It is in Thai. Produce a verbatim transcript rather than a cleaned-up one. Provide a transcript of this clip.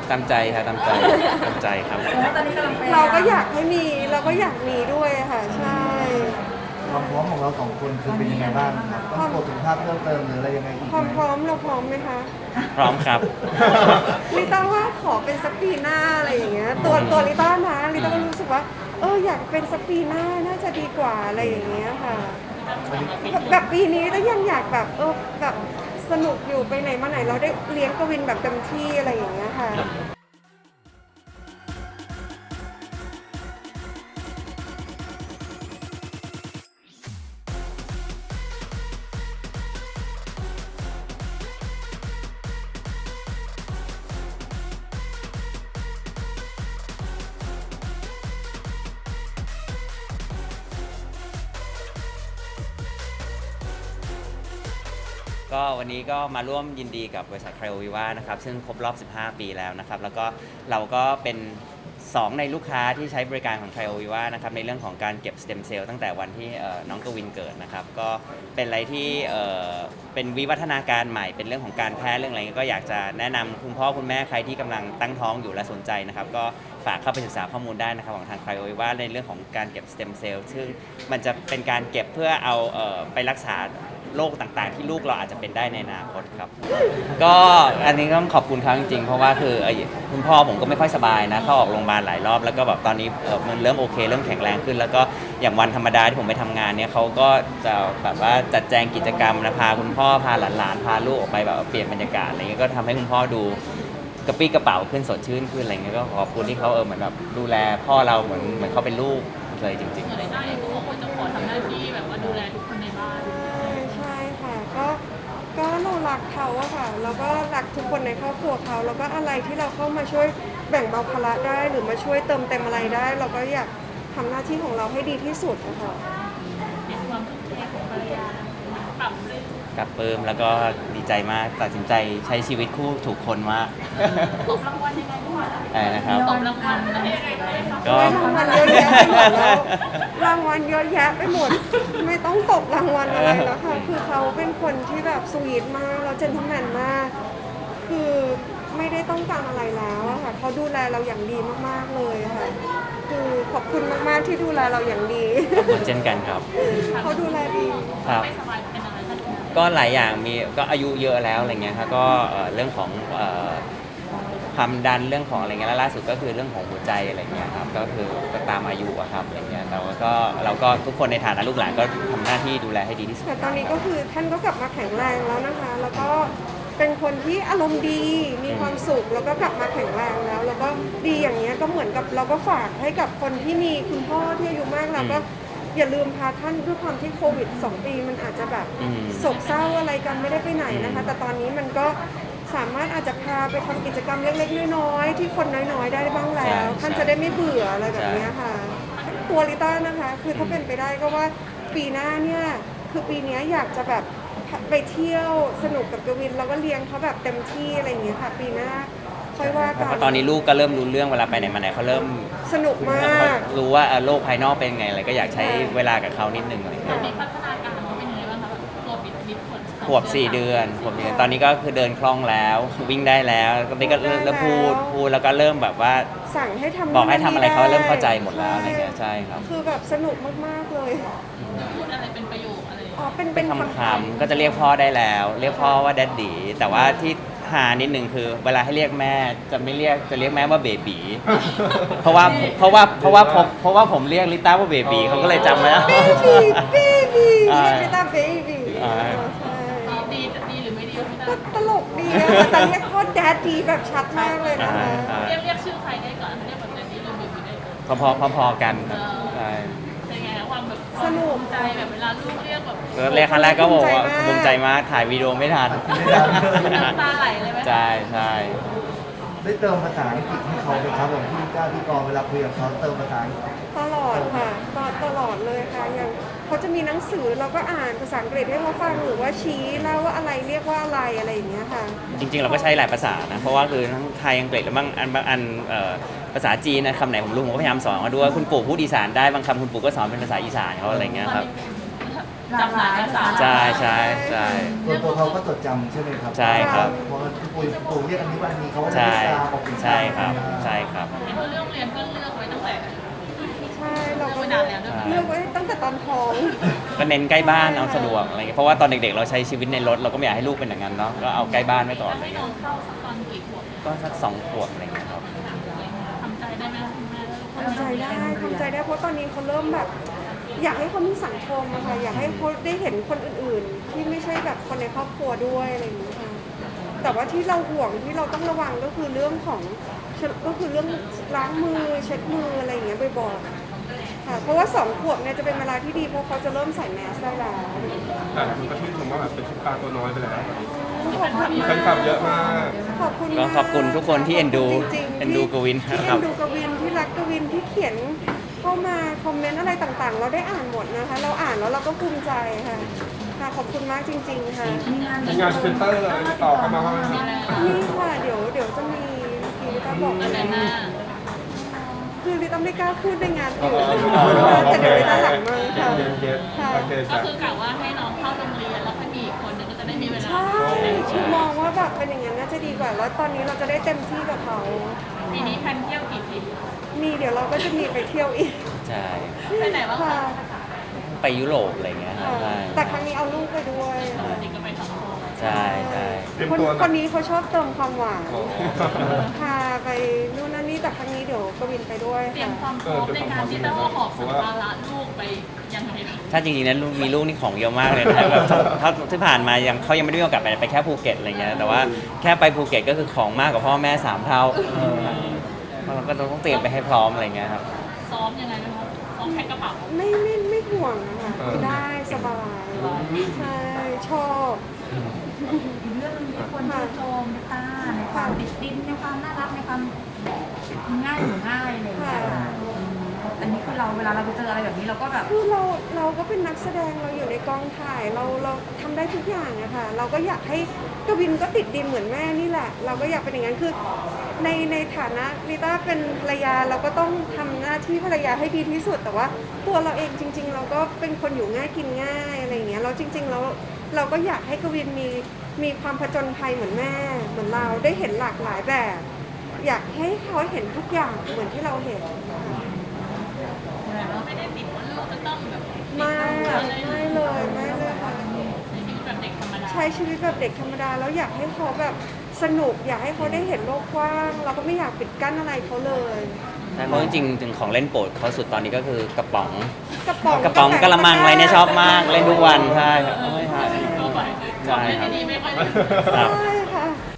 ตามใจครับตามใจตามใจครับเราก็อยากให้มีเราก็อยากมีด้วยค่ะใช่ความพร้อมของเราสองคนคือเป็นยังไงบ้างครับต้องตรวจสุขภาพเพิ่มเติมหรืออะไรยังไงอีกความไหพร้อมเราพร้อมไหมคะพร้อมครับลิต้าว่าขอเป็นสักปีหน้าอะไรอย่างเงี้ยตัวตัวลิต้านะลิต้าก็รู้สึกว่าเอออยากเป็นสักปีหน้าน่าจะดีกว่าอะไรอย่างเงี้ยค่ะแบบแบบปีนี้ก็ยังอยากแบบเออแบบสนุกอยู่ไปไหนมาไหนเราได้เลี้ยงกวินแบบเต็มที่อะไรอย่างเงี้ยค่ะก็วันนี้ก็มาร่วมยินดีกับบริษัทไครโอวิวานะครับซึ่งครบรอบสิบห้าปีแล้วนะครับแล้วก็เราก็เป็นสองในลูกค้าที่ใช้บริการของไครโอวิวานะครับในเรื่องของการเก็บสเต็มเซลล์ตั้งแต่วันที่น้องกวินเกิดนะครับก็เป็นอะไรที่เป็นวิวัฒนาการใหม่เป็นเรื่องของการแพทย์เรื่องอะไรก็อยากจะแนะนำคุณพ่อคุณแม่ใครที่กำลังตั้งท้องอยู่และสนใจนะครับก็ฝากเข้าไปศึกษาข้อมูลได้นะครับของทางไครโอวิวาในเรื่องของการเก็บสเต็มเซลล์ซึ่งมันจะเป็นการเก็บเพื่อเอาไปรักษาโรคต่างๆที่ลูกเราอาจจะเป็นได้ในอนาคตครับก็อันนี้ต้องขอบคุณเขาจริงๆเพราะว่าคือคุณพ่อผมก็ไม่ค่อยสบายนะเข้าออกโรงพยาบาลหลายรอบแล้วก็แบบตอนนี้มันเริ่มโอเคเริ่มแข็งแรงขึ้นแล้วก็อย่างวันธรรมดาที่ผมไปทำงานเนี่ยเขาก็จะแบบว่าจัดแจงกิจกรรมนะพาคุณพ่อพาหลานๆพาลูกออกไปแบบเปลี่ยนบรรยากาศอะไรเงี้ยก็ทำให้คุณพ่อดูกระปี้กระเป๋าขึ้นสดชื่นขึ้นอะไรเงี้ยก็ขอบคุณที่เขาเออเหมือนแบบดูแลพ่อเราเหมือนเหมือนเขาเป็นลูกเลยจริงๆอะไรได้ก็บอกว่าจะขอทำหน้าที่แบบว่าดูแลทุกคนในบ้านใช่ค่ะก็ก็เรารักเขาอะค่ะแล้วก็รักทุกคนในครอบครัวเขาแล้วก็อะไรที่เราเข้ามาช่วยแบ่งเบาภาระได้หรือมาช่วยเติมเต็มอะไรได้ เราก็อยากทำหน้าที่ของเราให้ดีที่สุดอะค่ะเห็นความทุ่มเทของภรรยาปรับเลยกับเปิมแล้วก็ดีใจมากตัดสินใจใช้ชีวิตคู่ถูกคนมากตบรางวัลยังไงบ้างอะไรนะครับตบรางวัลอะไรก็รางวัลเยอะแยะไปหมดแล้วรางวัลเยอะแยะไปหมดไม่ต้องตบรางวัลอะไรแล้วค่ะคือเขาเป็นคนที่แบบสวีทมากแล้วเจนทแมนมากคือไม่ได้ต้องการอะไรแล้วอะค่ะเขาดูแลเราอย่างดีมากๆเลยค่ะคือขอบคุณมากๆที่ดูแลเราอย่างดีขอบคุณเช่นกันครับเขาดูแลดีครับก็หลายอย่างมีก็อายุเยอะแล้วอะไรเงี้ยครับก็เรื่องของความดันเรื่องของอะไรเงี้ยแล้วล่าสุดก็คือเรื่องของหัวใจอะไรเงี้ยครับก็คือก็ตามอายุอะครับอะไรเงี้ยแต่ว่าก็เราก็ทุกคนในฐานะลูกหลานก็ทำหน้าที่ดูแลให้ดีที่สุดแต่ตอนนี้ก็คือท่านก็กลับมาแข็งแรงแล้วนะคะแล้วก็เป็นคนที่อารมณ์ดีมีความสุขแล้วก็กลับมาแข็งแรงแล้วแล้วก็ดีอย่างเงี้ยก็เหมือนกับเราก็ฝากให้กับคนที่มีคุณพ่อที่อายุมากแล้วก็อย่าลืมพาท่านด้วยความที่โควิดสองปีมันอาจจะแบบโศกเศร้าอะไรกันไม่ได้ไปไหนนะคะแต่ตอนนี้มันก็สามารถอาจจะพาไปทำกิจกรรมเล็กๆน้อยๆที่คนน้อยๆได้บ้างแล้วท่านจะได้ไม่เบื่ออะไรแบบนี้ค่ะตัวลิต้านะคะคือถ้าเป็นไปได้ก็ว่าปีหน้าเนี่ยคือปีนี้อยากจะแบบไปเที่ยวสนุกกับกวินแล้วก็เลี้ยงเขาแบบเต็มที่อะไรอย่างเงี้ยค่ะปีหน้าค่อยว่ากันเพราะตอนนี้ลูกก็เริ่มรู้เรื่องเวลาไปไหนมาไหนเขาเริ่มสนุกมากรู้ว่าโลกภายนอกเป็นไงอะไรก็อยากใช้เวลากับเขานิดนึงอะไรเงี้ยมีพัฒนาการเขาเป็นยังไงบ้างคะตัวปิดลิฟต์ขวบสี่เดือนขวบเดือนตอนนี้ก็คือเดินคล่องแล้ววิ่งได้แล้วก็นี่ก็เริ่มพูดพูดแล้วก็เริ่มแบบว่าสั่งให้ทำบอกให้ทำอะไรเขาเริ่มเข้าใจหมดแล้วอะไรเงี้ยใช่ครับคือแบบสนุกมากๆเลยพูดอะไรเป็นประโยคอะไรอ๋อเป็นเป็นคำๆก็จะเรียกพ่อได้แล้วเรียกพ่อว่าแดดดี้แต่ว่าที่หานิดนึงคือเวลาให้เรียกแม่จะไม่เรียกจะเรียกแม่ว่าเบบีเพราะว่าเพราะว่าเพราะว่าผมเพราะว่าผมเรียกลิต้าว่าเบบีเขาก็เลยจำไว้แล้วเบบีเบบีลิต้าเบบีดีดีหรือไม่ดีไม่ได้ตลกดีนะแต่เรียกพ่อแดดดีแบบชัดมากเลยนะคะเรียกเรียกชื่อใครได้ก่อนเรียกแบบแดดดี้หรือเบบีได้ก่อนพอพอพอกันใช่เป็นไงความแบบสนุกใจแบบเวลาลูกเรียกแบบเรียกครั้งแรกก็บอกว่าภูมิใจมากถ่ายวีดีโอไม่ทันน้ำตาไหลเลยไหมใช่ใช่ได้เติมภาษาอังกฤษให้เขาไหมครับแบบพี่ก้าพี่กรเวลาคุยกับเขาเติมภาษาตลอดค่ะตลอดตลอดเลยค่ะอย่างเขาจะมีหนังสือเราก็อ่านภาษาอังกฤษให้เขาฟังหรือว่าชี้เล่าว่าอะไรเรียกว่าอะไรอะไรอย่างเงี้ยค่ะจริงๆเราก็ใช้หลายภาษานะเพราะว่าคือทั้งไทยอังกฤษแล้วบางอันบางอันภาษาจีนนะคำไหนผมรู้ผมก็พยายามสอนเขาด้วยคุณปู่พูดอีสานได้บางคำคุณปู่ก็สอนเป็นภาษาอีสานเขาอะไรเงี้ยครับจำหลายภาษาใช่ใช่ใช่ตัวตัวเขาก็จดจำใช่ไหมครับใช่ครับเพราะว่าพี่ปุ้ยพี่ปุ้ยเรียกอันนี้ว่าอันนี้เขาก็จะใช่เรียกตามออกเป็นใช่ครับใช่ครับเห็นว่าเรื่องเรียนก็เลือกไว้ตั้งแต่ใช่เราก็ไม่นานแล้วด้วยเลือกไว้ตั้งแต่ตอนท้องก็เน้นใกล้บ้านเอาสะดวกอะไรเงี้ยเพราะว่าตอนเด็กๆเราใช้ชีวิตในรถเราก็ไม่อยากให้ลูกเป็นอย่างนั้นเนาะก็เอาใกล้บ้านไว้ก่อนแล้วอะไรให้น้เงี้อย งเข้าสักตอนกี่ขวบก็สักสองขวบอะไรเงี้ยครับทำใจได้ไหมคุณแม่แล้วคนทำใจได้ทำใจได้เพราะตอนนี้เขาเริ่มแบบ อยากให้เขามีสังคมอะค่ะอยากให้เขาได้เห็นคนอื่นๆ ที่ไม่ใช่แบบคนในครอบครัวด้วยอะไรอย่างนี้ค่ะแต่ว่าที่เราห่วงที่เราต้องระวังก็คือเรื่องของก็คือเรื่องล้างมือเช็ดมืออะไรอย่างเงี้ยบ่อยๆค่ะเพราะว่าสองขวบเนี่ยจะเป็นเวลาที่ดีเพราะเขาจะเริ่มใส่แมสได้แล้วแต่คุณก็ชื่นชมว่าแบบเป็นซุปตาร์ตัวน้อยไปแล้วขอบคุณแฟนคลับเยอะมากขอบคุณก็มากขอบคุณทุกคนที่เอ็นดูจริงๆเอ็นดูกวินที่ครัเอ็บนดูกวินที่รักกวินที่เขียนเข้ามาคอมเมนต์อะไรต่างๆ เราได้อ่านหมดนะคะ เราอ่านแล้วเราก็ภูมิใจค่ะค่ะขอบคุณมากจริง ๆ ค่ะมีงานพรีเซนเตอร์เลยติดต่อเข้ามาว่ามีอะไรนี่ค่ะเดี๋ยวเดี๋ยวจะมีกีลิต้าบอกอันไหนหน้าคือลิต้าไม่กล้าพูดในงานอ๋อื่อน โอแต่เคเดี๋ยวลิต้าหลังมาค่ะเย็นเย็นค่ะโอเคก็จ้ะคือกะว่าให้น้องเข้าโรงเรียนแล้วค่อยมีอีกคนนึงก็จะได้มีเวลาใช่คือมองว่าแบบเป็นอย่างนั้นน่าจะดีกว่า แล้วตอนนี้เราจะได้เต็มที่กับเขาปีนี้แพนเที่ยวกี่ทริปมีเดี๋ยวเราก็จะมีไปเที่ยวอีกใช่ไปไหนบ้างค่ะคะไปยุโรปอะไรเงี้ยครับใช่แต่ครั้งนี้เอาลูกไปด้วยค่ะจริงก็ไปสองคนใช่ใช่เตรียมคนตัวคนนี้เขาชอบเติมความหวานโอ้พาไปนู่นนั่นนี่แต่ครั้งนี้เดี๋ยวกวินไปด้วยเตรียค่ะมความพร้อมในการที่จะว่าหอบสัมภาระลูกไปยังไงบ้างถ้าจริงๆนะลูกมีลูกนี่ของเยอะมากเลยนะ แบบถ้าที่ผ่านมายังเขายังไม่ได้มีโอกาสไปไปแค่ภูเก็ตอะไรเงี้ยแต่ว่าแค่ไปภูเก็ตก็คือของมากกว่าพ่อแม่สามเท่าเราก็ต้องเตรียมไปให้พร้อมอะไรเงี้ยครับซ้อมยังไงบ้างคะซ้อมแพ็คกระเป๋าไม่ไม่ไม่ห่วงนะคะคือได้สบายใช่ชอบอีกเรื่องหนึงที่คนชื่นชมในต้าในความติดดินในความน่ารักในความง่ายหรือง่ายอะไรอย่างเงี้ยค่ะอืมอันนี้คือเราเวลาเราไปเจออะไรแบบนี้เราก็แบบคือเราเราก็เป็นนักแสดงเราอยู่ในกองถ่ายเราเราทำได้ทุกอย่างอะค่ะเราก็อยากให้กวินก็ติดดินเหมือนแม่นี่แหละ เราก็อยากเป็นอย่างนั้นคือในในฐานะลิต้าเป็นภรรยาเราก็ต้องทำหน้าที่ภรรยาให้ดีที่สุด แต่ว่าตัวเราเองจริง ๆ เราก็เป็นคนอยู่ง่ายกินง่ายอะไรอย่างเงี้ยเราจริงๆเราเราก็อยากให้กวินมีมีความผจญภัยเหมือนแม่เหมือนเราได้เห็นหลากหลายแบบ อยากให้เขาเห็นทุกอย่างเหมือนที่เราเห็นค่ะไม่ได้ติดว่าลูกจะต้องแบบไม่ไม่เลยไม่เลยค่ะใช้ชีวิตแบบเด็กธรรมดาใช้ชีวิตแบบเด็กธรรมดาแล้วอยากให้เขาแบบสนุก อยากให้เขาได้เห็นโลกกว้าง เราก็ไม่อยากปิดกั้นอะไรเขาเลยใช่เพราะจริงๆถึงของเล่นโปรดเขาสุดตอนนี้ก็คือกระป๋องกระป๋องกระป๋องกระมังอะไรเนี่ยชอบมากเล่นทุกวันใช่ครับใช่ครับก็ไปใช่ครับดีไม่ค่อยดีครับใช่ค่ะ